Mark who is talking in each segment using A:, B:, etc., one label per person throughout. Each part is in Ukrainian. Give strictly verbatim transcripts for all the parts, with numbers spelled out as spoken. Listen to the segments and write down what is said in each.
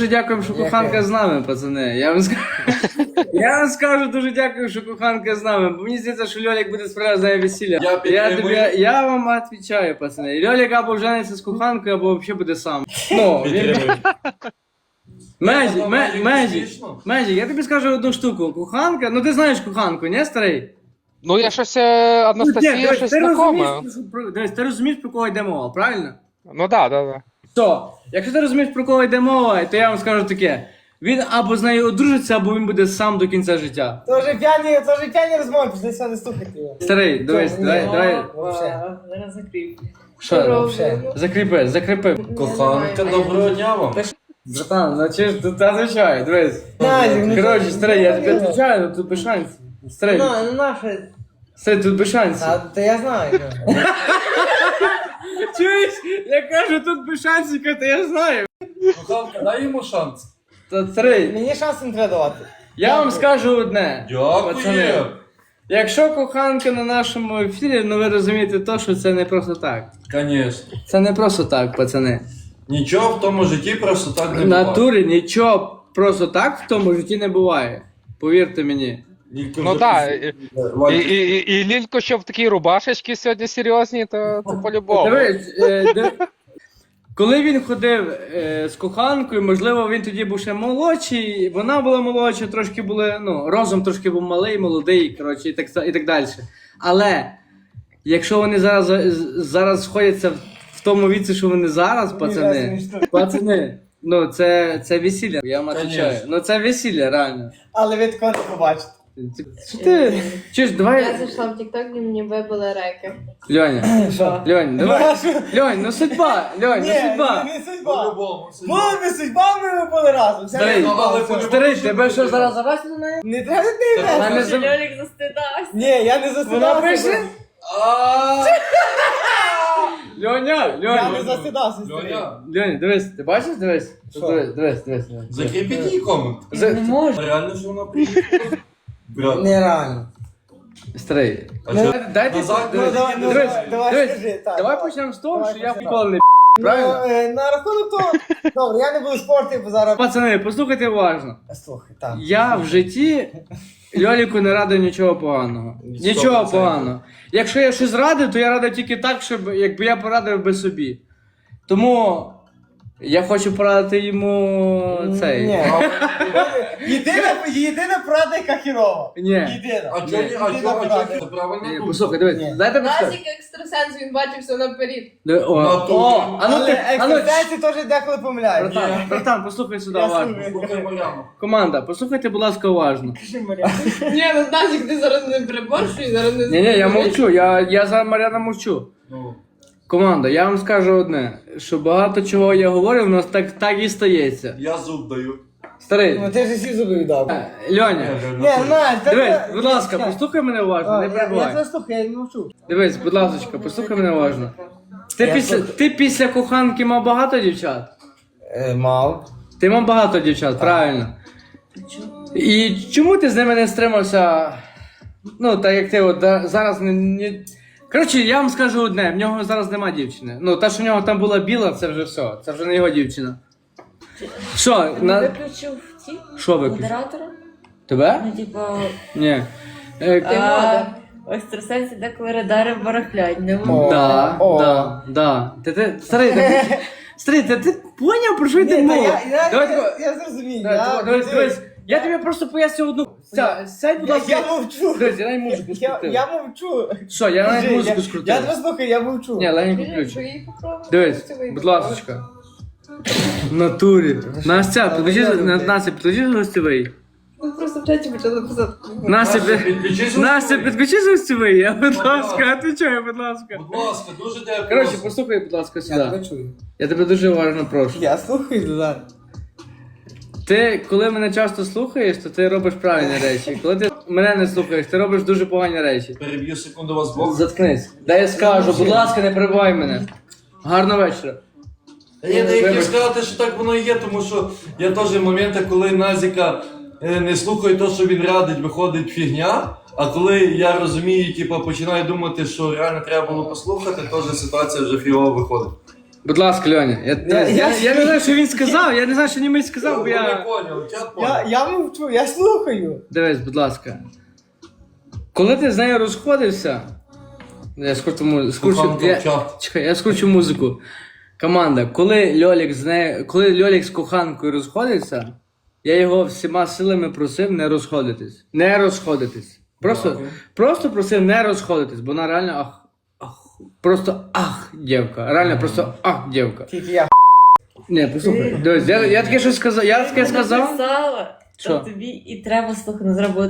A: дуже дякуємо, що коханка з нами, пацани. Я вам скажу, я вам скажу дуже дякую, що коханка з нами. Бо мені здається, що Льолік буде справді за весілля.
B: Я
A: Я, тобі, я вам відповідаю, пацани. Льолік або жениться з коханкою, або взагалі буде сам. Ну, він... Межі, межі, межі, межі, я тобі скажу одну штуку. Коханка, ну ти знаєш коханку, не старий?
C: Ну я щось е, Анастасія, щось знакоме.
A: Дивись, ти розумієш, про кого йде мова, правильно?
C: Ну так, так, так.
A: То, якщо ти розумієш, про кого йде мова, то я вам скажу таке. Він або з нею одружиться, або він буде сам до кінця життя.
D: То вже п'яні, то вже п'яні розмови, пішли все не слухати його.
A: Старий, дивись,
D: Ні,
A: давай,
D: ні.
A: давай.
D: Вообще.
E: Зараз закріп.
A: Що?
D: Вообще.
A: Закріпи, закріпи.
B: Коханка, доброго дня вам.
A: Братан, ну чи ж тут звичай, дивись.
D: Назік, ну
A: Коротше,
D: що?
A: старий, я тобі відповідаю, ну тут без шансів. Старий,
D: Ну, ну наше.
A: старий, тут без шансів.
D: А, то я знаю. ну.
A: Чуєш? Я кажу, тут без шансів, то я знаю.
B: Коханка, дай йому шанс.
A: Та старий,
D: Мені шансу не треба давати.
A: я вам скажу одне.
B: Дякую.
A: Пацани, якщо коханка на нашому ефірі, ну ви розумієте то, що це не просто так.
B: Конечно.
A: Це не просто так, пацани.
B: Нічого в тому житті просто так не
A: В
B: буває.
A: натурі нічого просто так в тому житті не буває. Повірте мені.
B: Лілько
C: Ну
B: вже
C: так.
B: після-
C: І,
B: Валь-
C: і, і, і Лілько, що в такій рубашечці сьогодні серйозні, то, то по-любому.
A: Дивись, е, де- коли він ходив е, з коханкою, можливо, він тоді був ще молодший, вона була молодша, трошки були, ну, розум трошки був малий, молодий, коротше, і так, і так далі. Але якщо вони зараз, зараз сходяться в, в тому віці, що вони зараз, пацани, пацани, ну це, це весілля, я вам
B: Конечно.
A: відповідаю. Ну це весілля, реально.
D: Але ви такого не побачите.
A: Що ти? Чи ж,
E: Я
A: давай,
E: зайшла в TikTok і мені вибили реки.
A: Льоня,
D: Що?
A: Льонь, давай. Льонь, ну судьба, Льонь, ну
D: Ні,
A: судьба.
D: не судьба.
B: По-любому, судьба.
D: Були би судьба, ми були разом. Все
A: Старий,
D: не
B: але
D: судьба.
B: по-
A: Старий, тебе що зараз завести на неї?
D: Не треба ти
B: Так,
A: Вона
D: мене.
A: не за-
E: Льолік застидався.
D: Ні, я не засидався.
A: Вона пише?
B: А,
A: Льоня,
D: Я не
A: Льоня.
D: засидався, старий.
B: Льоня,
A: Льоня, дивись, ти бачиш, дивись?
D: Що?
A: Дивись, дивись, дивись. дивись.
B: закріпіть її комент.
A: За-
E: Не можу.
B: Реально, що вона приїхала? Брат,
D: Нереально.
A: Старий.
B: а
D: Ну,
B: що?
A: Дайте,
B: Назад,
D: Ну,
A: дивись,
D: давай, ну,
A: дивись,
D: давай, давай,
A: дивись.
D: скажи, так.
A: Давай почнемо з того,
D: Давай
A: що я
D: почнемо.
A: ніколи не правильно?
D: Ну, е, на рахунок того, добре, я не буду спорти, бо зараз...
A: Пацани, послухайте уважно.
D: Слухай, так.
A: Я в житті Льоліку не радив нічого поганого.
B: Сто
A: Нічого
B: процентів.
A: поганого. Якщо я щось радив, то я радив тільки так, щоб якби я порадив би собі. Тому я хочу порадити йому цей.
D: Ні. Єдина, єдина порада, яка хірова.
A: Ні.
D: Єдина.
B: А чого ні? А
D: Єдина
B: чого? А
D: порада.
B: чого? Це правильно
A: Ні,
B: тут.
A: Послухай, дивись,
D: Ні.
A: дайте почати.
E: Назік екстрасенс, він бачив все наперед.
A: Диви- О,
B: Натурі.
A: о, а ну
D: Але
A: ти, а ну,
D: екстрасенси теж деколи помиляють.
A: братан, братан, послухай сюди
D: Я
A: уважно.
D: слухаю.
B: Слухай Мар'яну.
A: Команда, послухайте, будь ласка, уважно.
D: Кажи, Мар'яна.
E: Ні, ну Назік, ти зараз не приборщуй, зараз не
A: Ні, ні, я мовчу, я, я за Мар'яна мовчу.
B: Ну,
A: Команда, я вам скажу одне, що багато чого я говорю, в нас так, так і стається.
B: я зуб даю.
A: Старий,
D: Ну ти ж всі зуби віддав.
A: е, Льоня,
D: Ні, Надь, та
A: дивись,
D: ти-
A: будь ласка,
D: Чекай.
A: послухай мене уважно,
D: А,
A: не
D: я- Я
A: перебувай.
D: тебе слухаю, я не мовчу.
A: Дивись, будь ласка, послухай мене уважно. Ти
D: Я
A: після,
D: слухаю.
A: ти після коханки мав багато дівчат?
D: Е, Мав.
A: Ти мав багато дівчат, правильно. І чому ти з ними не стримався? Ну, так як ти от да- зараз не. не... Коротше, я вам скажу одне, в нього зараз нема дівчини. Ну, та, що в нього там була біла, це вже все. Це вже не його дівчина. Що, на...
E: Виключив ті
A: Що виключив?
E: модератора?
A: Тебе?
E: Ну, типа,
A: Ні. Е,
E: ти мода. В екстрасенсі деколи радари барахлять, не
D: О.
E: можу.
A: да,
D: О.
A: да, да. Ти, ти, старий, ти, старий, ти, ти поняв, про що йде
D: Ні, та
A: мова?
D: я- я-
A: Давай,
D: я-
A: давай,
D: Я зрозумів.
A: давай,
D: я-
A: дивись, дивись. Я тобі просто поясню одну. Ся- Сядь, будь
D: Я-
A: ласка.
D: Я мовчу.
A: Дивись, я навіть музику
D: Я-
A: скрутив.
D: Я мовчу.
A: Що, я навіть
D: Скажи,
A: музику
D: я-
A: скрутив.
D: Я тебе слухаю, я мовчу.
A: Ні, легенько
E: Скажи,
A: ключ.
E: що їй попробувати?
A: Дивись,
E: Що ви
A: будь
E: попробуєте?
A: ласочка. В натурі. Настя, підключи, на- Настя, підключи гостєвий.
E: Ми просто в чаті почали писати.
A: Настя,
B: Настя,
A: під-
B: підключись
A: Настя,
B: гостєвий.
A: підключи гостєвий, я, будь
B: Будь
A: ласка,
B: ласка.
A: отвечаю, будь ласка.
B: Будь ласка, дуже дякую.
A: Коротше, послухай, будь ласка,
D: Я
A: сюди.
D: тебе чую.
A: Я тебе дуже уважно прошу.
D: Я слухаю, Дуда.
A: Ти, коли мене часто слухаєш, то ти робиш правильні речі. Коли ти мене не слухаєш, ти робиш дуже погані речі.
B: Переб'ю секунду вас Бог.
A: Заткнись. Дай я скажу, будь ласка, не перебивай мене. Гарного вечора.
B: Я не
A: Вибач.
B: хотів сказати, що так воно і є, тому що є теж моменти, коли Назіка е, не слухає те, що він радить, виходить фігня. А коли я розумію, типу, починаю думати, що реально треба було послухати, теж ситуація вже фігово виходить.
A: Будь ласка, Льоня, я, я, я,
D: я-
A: я не знаю, що він сказав, я не знаю, що німець сказав, бо
B: Я не
A: я...
B: поняв, чат
D: Я,
B: поняв.
D: я мовчу, я слухаю.
A: Дивись, будь ласка. Коли ти з нею розходився, я скручу музику. Скручу,
B: Коханка
A: я,
B: в чат.
A: чекай, я скручу музику. Команда, коли Льолік з нею, коли Льолік з коханкою розходиться, я його всіма силами просив не розходитись. Не розходитись. Просто,
B: Дякую.
A: просто просив не розходитись, бо вона реально ах, ах, просто ах, дівка. Реально просто ах, дівка.
D: Тільки я.
A: Ні, послухай, дивись, я, я таке щось сказав, я таке сказав.
E: Написала,
A: Що?
E: то тобі і треба слухати, не зробити,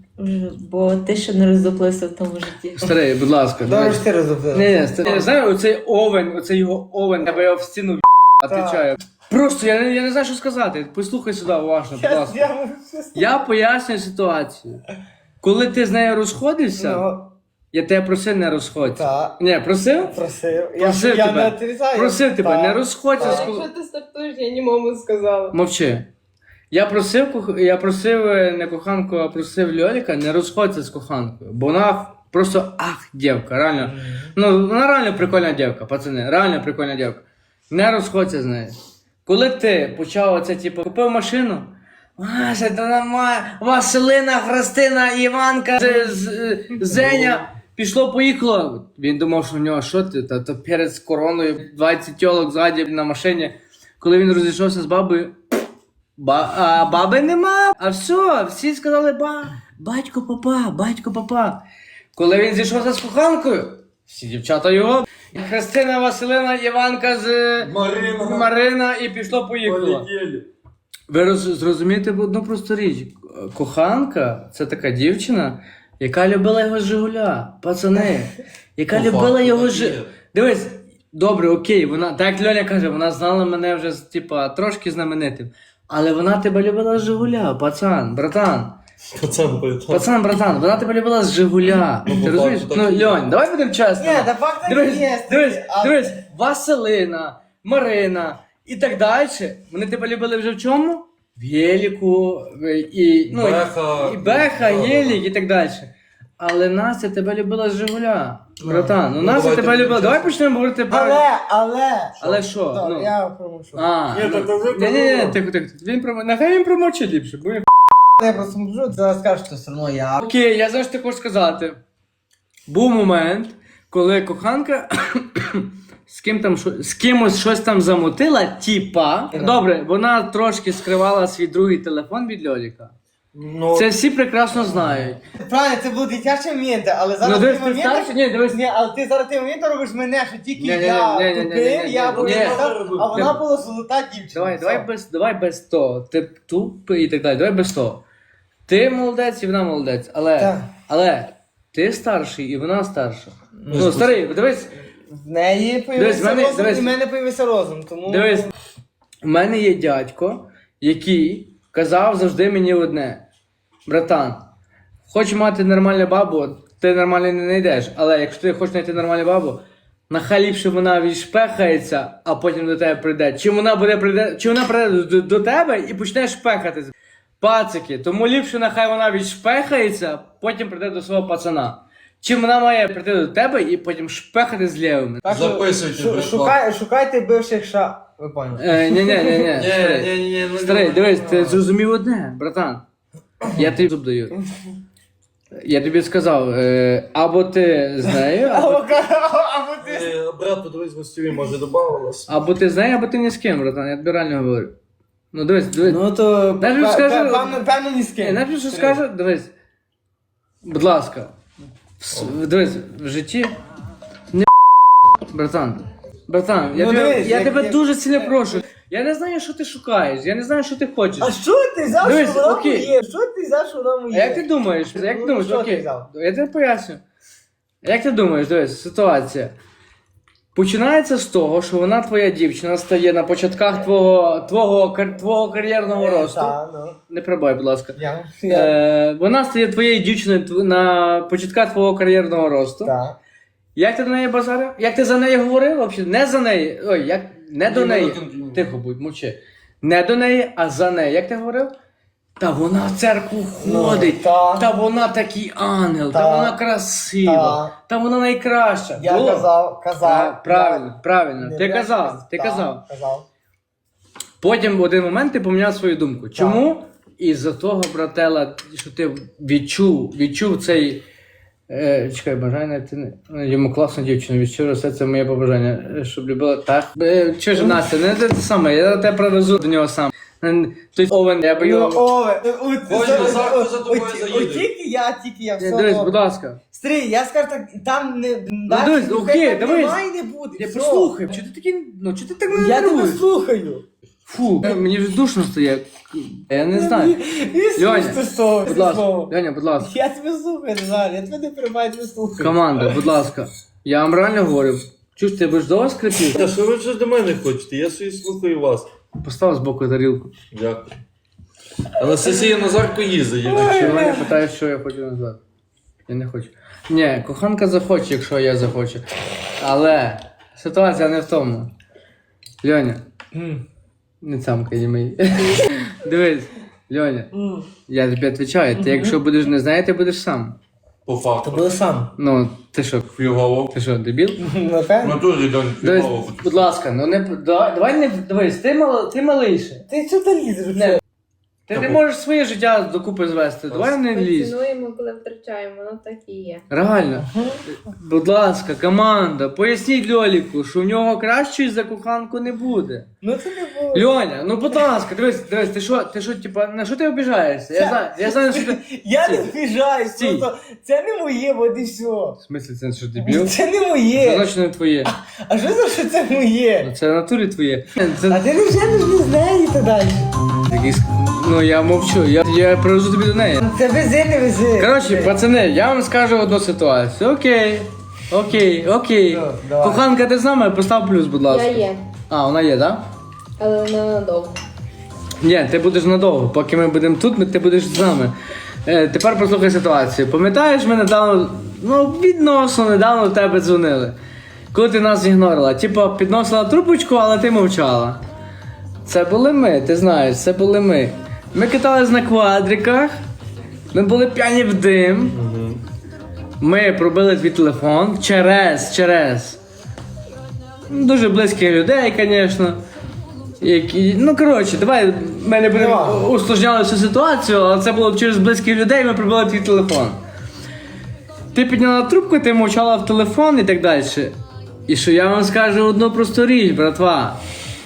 E: бо ти ще не роздоплився в тому житті.
A: Старий, будь ласка.
D: Добре,
A: давай.
D: що ти розробив.
A: Ні, ні, ста- я знаю, оцей овен, оцей його овен, я би його в стіну відповідаю. Просто я, не- я не знаю, що сказати. Послухай сюди уважно, будь
D: Я,
A: ласка.
D: я мовчу.
A: Я пояснюю ситуацію. Коли ти з нею розходився,
D: Ну,
A: я тебе просив не розходься.
D: так.
A: Ні, просив?
D: Просив. Я,
A: Просив
D: я
A: тебе.
D: не отрицаю.
A: Просив тебе,
D: Так.
A: не розходься.
D: Так.
A: з ко-
E: Якщо ти стартуєш, я німому сказала.
A: Мовчи. Я просив, кох- я просив е, не коханку, а просив Льоліка не розходься з коханкою. Бо вона просто ах, дівка, реально. Ну, вона реально прикольна дівка, пацани, реально прикольна дівка. Не розходься з нею. Коли ти почав оце, типу, купив машину, Вася, та нормально, Василина, Христина, Іванка, з- з- Зеня, пішло, поїхало. Він думав, що в нього що ти, та то перед короною двадцять тілок ззаді на машині. Коли він розійшовся з бабою, ба, а баби нема. А все, всі сказали, ба, батько папа, батько папа. Коли він зійшовся з коханкою, всі дівчата його, Христина, Василина, Іванка з
B: Марина.
A: Марина і пішло поїхало.
B: Полетіли.
A: Ви роз, зрозумієте одну просту річ. Коханка це така дівчина, яка любила його з Жигуля, пацани. Яка
B: По
A: любила
B: факту,
A: його
B: так
A: з
B: є.
A: Жи- Дивись, добре, окей, вона, так як Льоня каже, вона знала мене вже типа, трошки знаменитим. Але вона тебе любила з Жигуля, пацан, братан.
B: Пацан, пацан.
A: Пацан, братан, вона тебе любила з Жигуля.
B: Ну,
A: Ти
B: по
A: розумієш?
B: факту
A: Ну,
B: так і є.
A: Льонь, давай будемо чесними.
D: Ні, та факт так і
A: Дивись,
D: є.
A: дивись,
D: а-
A: дивись, Василина, Марина і так далі. Вони тебе любили вже в чому? В Єліку, в- і, ну,
B: Беха.
A: і Беха,
B: Да, да,
A: Єлік і так далі. Але Настя тебе любила з Жигуля. Братан, ну
B: Ну,
A: Настя
B: давайте
A: тебе любила.
B: будемо
A: Давай
B: чесно.
A: почнемо говорити правильно.
D: Але, але.
A: Але що?
D: Так,
A: Ну.
D: я промовчу.
A: А,
B: Ні,
A: ну,
B: так то ви
A: ні, ні, ні,
B: промовили.
A: тихо, тихо. Він промо... Нехай він промовчить ліпше, бо він
D: Я просто мовчу, ти зараз скажеш, що все одно я.
A: Окей, я знаю, що ти хочеш сказати. Був момент, коли коханка з ким там шо- з кимось щось там замутила, типа. Добре, вона трошки скривала свій другий телефон від Льоліка.
B: Ну,
A: Це всі прекрасно знають.
D: Правильно, це були дитячі моменти, але зараз
A: Ну,
D: ті
A: дивись, ти
D: моменти...
A: старший? Ні, дивись.
D: Ні, але ти зараз ті моменти робиш мене, що тільки
A: Ні-ні-ні,
D: я
A: ні-ні-ні,
D: тупив,
A: ні-ні-ні.
D: я був
A: Ні.
D: а вона була золота дівчина.
A: Давай,
D: Все.
A: давай без, давай без того. Ти тупий і так далі. Давай без того. Ти молодець і вона молодець. Але,
D: Так.
A: але ти старший і вона старша. Ну,
B: Ну,
A: старий, дивись.
D: В неї
A: Дивись,
D: появився
A: в мене-
D: розум,
A: дивись.
D: і в мене появився розум, тому...
A: Дивись, в мене є дядько, який казав завжди мені одне: братан, хочеш мати нормальну бабу, ти нормально не знайдеш. Але якщо ти хочеш знайти нормальну бабу, нехай ліпше вона відшпехається, а потім до тебе прийде. Чи вона буде прийде, чи вона прийде до, до тебе і почне шпехати. Пацики, тому ліпше нехай вона відшпехається, потім прийде до свого пацана. Чим вона має прийти до тебе і потім шпехати з лівими.
D: Так що
B: Записуйте,
D: шу-
B: братва.
D: шукай, шукайте бивших ша... Ви поняли.
A: Е, ні, ні, ні, ні.
B: Ні, ні, ні, ну,
A: Старий,
B: ну,
A: дивись, ти зрозумів одне, братан. Я тобі зуб даю. Я тобі сказав, е, або ти з нею, або,
D: Або або ти...
B: Е, Брат, подивись, гостєві, може, добавилось.
A: або ти з нею, або ти ні з ким, братан. Я тобі реально говорю. Ну дивись, дивись.
D: Ну то...
A: Навіть
D: пе-
A: скажи-
D: пе- Певно, певно ні з
A: Ні,
D: ким.
A: навіть що скажу, дивись. Будь ласка. В с- Дивись, в житті. Не братан. Братан, я,
D: Ну,
A: тебе,
D: дивись,
A: я
D: як-
A: тебе
D: як-
A: дуже сильно прошу. Я не знаю, що ти шукаєш, я не знаю, що ти хочеш.
D: А що ти взяв,
A: Дивись,
D: що вона
A: окей.
D: моє? Що ти взяв, що вона
A: А
D: моє?
A: як ти думаєш? Як ти
D: Ну,
A: думаєш?
D: що ти
A: Окей,
D: взяв?
A: я тебе поясню. Як ти думаєш, дивись, ситуація. Починається з того, що вона твоя дівчина стає на початках твого, твого, кар- твого кар'єрного росту.
D: Та, ну.
A: Не прибай, будь ласка.
D: Я. Я.
A: Е, вона стає твоєю дівчиною тв- на початках твого кар'єрного росту.
D: Так.
A: Як ти до неї базарив? Як ти за неї говорив? Взагалі? Не за неї. Ой, як не до
B: Ні,
A: неї.
B: не до неї.
A: Тихо будь, мовчи. Не до неї, а за неї. Як ти говорив? Та вона в церкву
D: Ну,
A: ходить,
D: та.
A: та вона такий ангел, та,
D: Та.
A: вона красива,
D: Та.
A: та вона найкраща.
D: Я
A: Було?
D: казав,
A: Та,
D: казав.
A: правильно, правильно,
D: Я-
A: ти
D: я-
A: казав, ти
D: та,
A: казав.
D: казав.
A: Потім в один момент ти поміняв свою думку. Чому? Із-за того, братела, що ти відчув, відчув цей. Е, чекай, бажання ти не. Йому класну дівчину, від щиро все це моє побажання, е, щоб любила так. Е, чи ж Настя, не те саме, я тебе привезу до нього сам. Е, Той Овен, я би
D: Ну,
A: його.
D: Ове, у-
B: Ось
D: за-
B: Назарко
D: о-
B: за тобою
D: о-
B: заїде.
D: о- Тільки я, тільки я,
A: Е,
D: все.
A: Дивись,
D: добре.
A: будь ласка.
D: Стрій, я скажу так, там не... далі
A: дивись,
D: ніхай
A: окей,
D: так
A: дивись.
D: немає і не буде.
A: Я
D: все.
A: послухай, чого ти такий, ну чого ти так мене
D: Я тебе
A: нервуєш?
D: слухаю.
A: Фу, е, мені вже душно стає. Я не знаю. Льоня,
D: Льоня,
A: Будь ласка, Льоня, будь ласка.
D: Я тебе слухаю, Назар, я тебе не приймаю, тебе слухаю.
A: Команда, будь ласка. Я вам реально говорю. Чуєш, ти будеш довго скрипів?
B: Та що ви щось до мене хочете? Я собі слухаю вас.
A: Постав з боку тарілку.
B: Дякую. Анастасія Назарко їздить.
A: Якщо мене питають, що я хочу назвати. Я не хочу. Ні, коханка захоче, якщо я захочу. Але ситуація не в тому. Льоня, не цамкай не мій. Дивись, Льоня, я тобі відповідаю, ти якщо будеш не знати, ти будеш сам.
B: По факту.
D: Були сам.
A: Ну, ти що,
B: Фігово.
A: ти що, дебіл?
B: В
D: Напевно.
B: натурі, Льонь,
A: Дивись,
B: фігово.
A: будь ласка, ну не давай, давай не дивись, ти мал, ти малийше.
D: Ти що ти лізеш?
A: Не. Ти не можеш своє життя докупи звести. Давай не
E: Ми
A: лізь.
E: цінуємо, коли втрачаємо, воно так і є.
A: Реально. Будь ласка, команда, поясніть Льоліку, що в нього кращої за коханку не буде.
D: Ну це не було.
A: Льоня, ну будь ласка, дивись, дивись, ти що, ти що, типа, на що ти обіжаєшся? Я знаю, я знаю, що ти.
D: Я не
A: Стій.
D: вбіжаюсь,
A: Стій.
D: просто це не моє, от і все.
A: В смислі, це що дебіл?
D: Це не
A: Це
D: моє.
A: значить не твоє.
D: А що за що це моє?
A: Ну, це в натурі твоє.
D: А
A: Це
D: ти не вже не з неї то далі.
A: якийсь. Ну я мовчу, я, я привезу тобі до неї.
D: Це вези, не вези.
A: Коротше, пацани, я вам скажу одну ситуацію. Окей. Окей, окей.
D: Ну, давай.
A: Коханка, ти з нами? Постав плюс, будь ласка.
E: Я є,
A: А, вона є, так?
E: але не надовго.
A: Ні, ти будеш надовго. Поки ми будемо тут, ми- ти будеш з нами. Е, тепер послухай ситуацію. Пам'ятаєш, ми недавно, ну, відносно недавно в тебе дзвонили. Коли ти нас ігнорила. Типа, підносила трубочку, але ти мовчала. Це були ми, ти знаєш, це були ми. Ми катались на квадриках, ми були п'яні в дим. Ми пробили твій телефон через, через. ну, Дуже близьких людей, звісно. Які, ну коротше, давай ми не будемо
D: Давай.
A: усложняли всю ситуацію, але це було через близьких людей, ми пробили твій телефон. Ти підняла трубку, ти мовчала в телефон і так далі. І що я вам скажу одну просту річ, братва.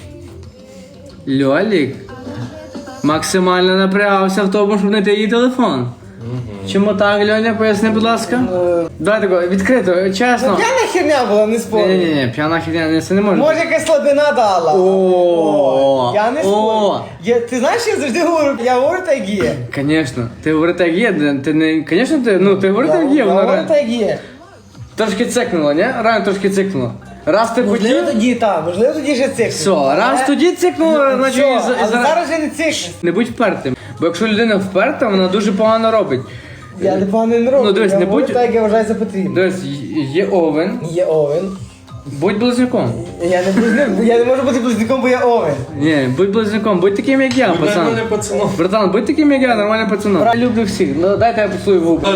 A: Льолік максимально напрягався в тому, щоб знайти її телефон. Чому так, Льоня, поясни, будь ласка? Давай тако, відкрито, чесно.
D: П'яна херня була, не спорю.
A: Ні-ні-ні, п'яна херня, не- це не може.
D: Може якась слабина дала.
A: О,
D: Я не
A: о.
D: спорю. Я, ти знаєш, я завжди говорю, я говорю так є.
A: Звісно, ти говори так є, ти не, звісно, ти, ну, ти говори
D: Я,
A: так є,
D: я
A: вона
D: говорю
A: реально.
D: так є.
A: Трошки цикнула, ні? Реально трошки цикнула. Раз ти
D: Можливо
A: хотів,
D: тоді так, можливо тоді ще цикл.
A: все, раз тоді цикнула, значить, і, за- і
D: але
A: зараз...
D: зараз вже не цикл.
A: Не будь впертим, бо якщо людина вперта, вона дуже погано робить.
D: Я не погано не роблю,
A: Ну, дивись,
D: я
A: не
D: говорю
A: будь-
D: так, як я вважаю за потрібно.
A: Дивись, є овен,
D: Є Овен.
A: будь близнюком.
D: Я не близнюк, я не можу бути близнюком, бо я Овен.
A: Ні, будь близнюком, будь таким, як я,
B: Ви
A: пацан.
B: мене пацаном.
A: Братан, будь таким, як я, нормальним пацаном. Я люблю всіх, ну дайте я поцілую в губи.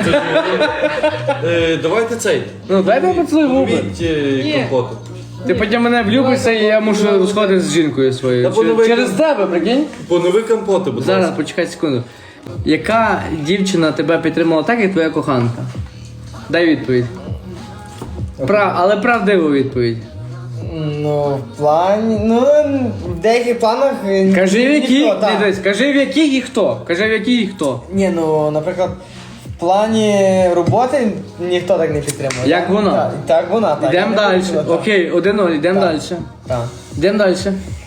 B: Е, Давайте цей.
A: Ну дайте я поцілую в губи.
B: Поміть е, компоту.
A: Ти потім мене влюбишся і я мушу сходити з жінкою своєю.
B: Та воно
A: Чер-
B: вийде.
A: Через тебе, прикинь?
B: Понови компоти, будь
A: Зараз,
B: ласка.
A: почекай секунду. Яка дівчина тебе підтримала так, як твоя коханка? Дай відповідь. Прав, але правдиву відповідь.
D: Ну, в плані, ну, в деяких планах е,
A: Кажи в яких,
D: ніхто, так.
A: не дивись, кажи в яких і хто. Кажи в яких і хто.
D: Ні, ну, наприклад, в плані роботи ніхто так не підтримує.
A: Як
D: Так,
A: вона?
D: Так, так вона, так.
A: Йдемо
D: Я
A: далі.
D: не буду, так.
A: Окей, один-нуль, йдемо
D: Так.
A: далі.
D: Так.
A: Йдемо далі.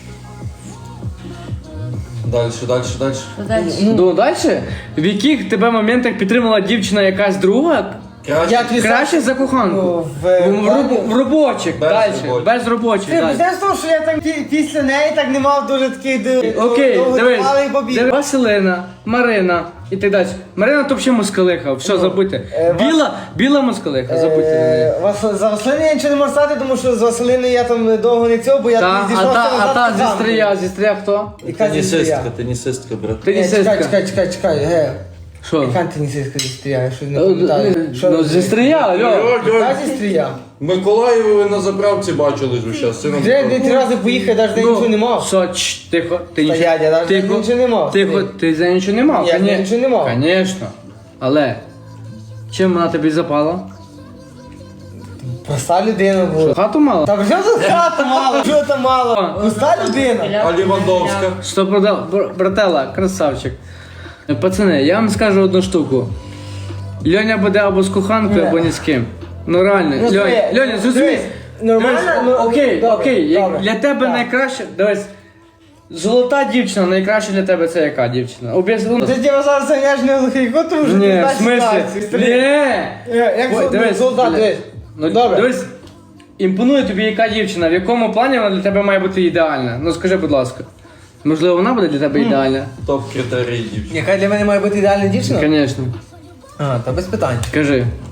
B: Далі, далі, далі.
E: Далі.
A: Ну далі. В яких тебе моментах підтримала дівчина якась друга,
B: Краще.
D: Я тобі
A: Краще за коханку.
D: Ну,
A: В,
D: в-
A: в, роб- в робочих,
B: Без
A: далі.
B: робочих.
A: Без робочих.
D: Ти
A: далі.
D: почнеш з того, що я там пі- після неї так не мав дуже таких д-
A: Окей, дивись,
D: довготривалих бобів.
A: дивись. Василина, Марина і так далі. Марина то взагалі москалиха, все, забудьте.
D: е, вас-
A: Біла, біла москалиха, забудьте на неї.
D: Е, Вас- За Василини я нічого не можу сказати, тому що з Василини я там довго не цього, бо я
A: Та,
D: там
A: а
D: зійшов
A: та, а та зі
D: стрія.
A: стрия, зі стрия хто?
D: Яка зі стрия?
B: Тенісистка, тенісистка, брат.
A: Ти не
D: Ні, Чекай,
A: сестка.
D: чекай, чекай, чекай, ге.
A: Що?
D: Яка тенісистка зі стрия, я щось не
A: Е,
D: пам'ятаю.
A: е,
D: Що
A: Ну,
D: ви-
A: зі стрия, алло.
D: Яка зі стрия?
B: Миколаєві ви на заправці бачили ж зараз. Сином.
D: Вже де три рази поїхав, навіть де нічого не мав.
A: Що, чш, тихо, ти
D: Та
A: нічого,
D: я- я навіть
A: тихо,
D: нічого не мав.
A: Тихо, ти за нічого не мав.
D: Ні, я
A: коне-
D: нічого не мав.
A: Конечно. Але, чим вона тобі запала?
D: Проста людина була.
A: Хату мала?
D: Та вже за хата мало, що там мало. Проста людина.
B: А Лівандовська?
A: Сто продав, бр- братела, красавчик. Пацани, я вам скажу одну штуку. Льоня буде або з коханкою,
D: Ні.
A: або ні з ким. Ну реально,
D: Ну,
A: Льоня,
D: смотри,
A: Льоня, зрозумій.
D: дивись, нормально,
A: Дивись,
D: ну,
A: окей,
D: добре,
A: окей, як
D: добре.
A: для тебе
D: Так.
A: найкраще, дивись, золота дівчина, найкраще для тебе це яка дівчина? Об'ясни.
D: Ти тебе зараз заняш не глухий кот, тому що
A: Ні,
D: ти
A: в
D: знаєш
A: смислі?
D: ситуацію.
A: Ні.
D: Е, Як
A: Ой,
D: зол-
A: дивись,
D: солдат,
A: бля.
D: дивись.
A: Ну,
D: Добре.
A: Дивись, імпонує тобі яка дівчина, в якому плані вона для тебе має бути ідеальна? Ну скажи, будь ласка. Можливо, вона буде для тебе ідеальна?
B: Топ критерій дівчини.
D: Яка для мене має бути ідеальна дівчина?
A: Звісно.
D: А, та без питань.
A: Кажи.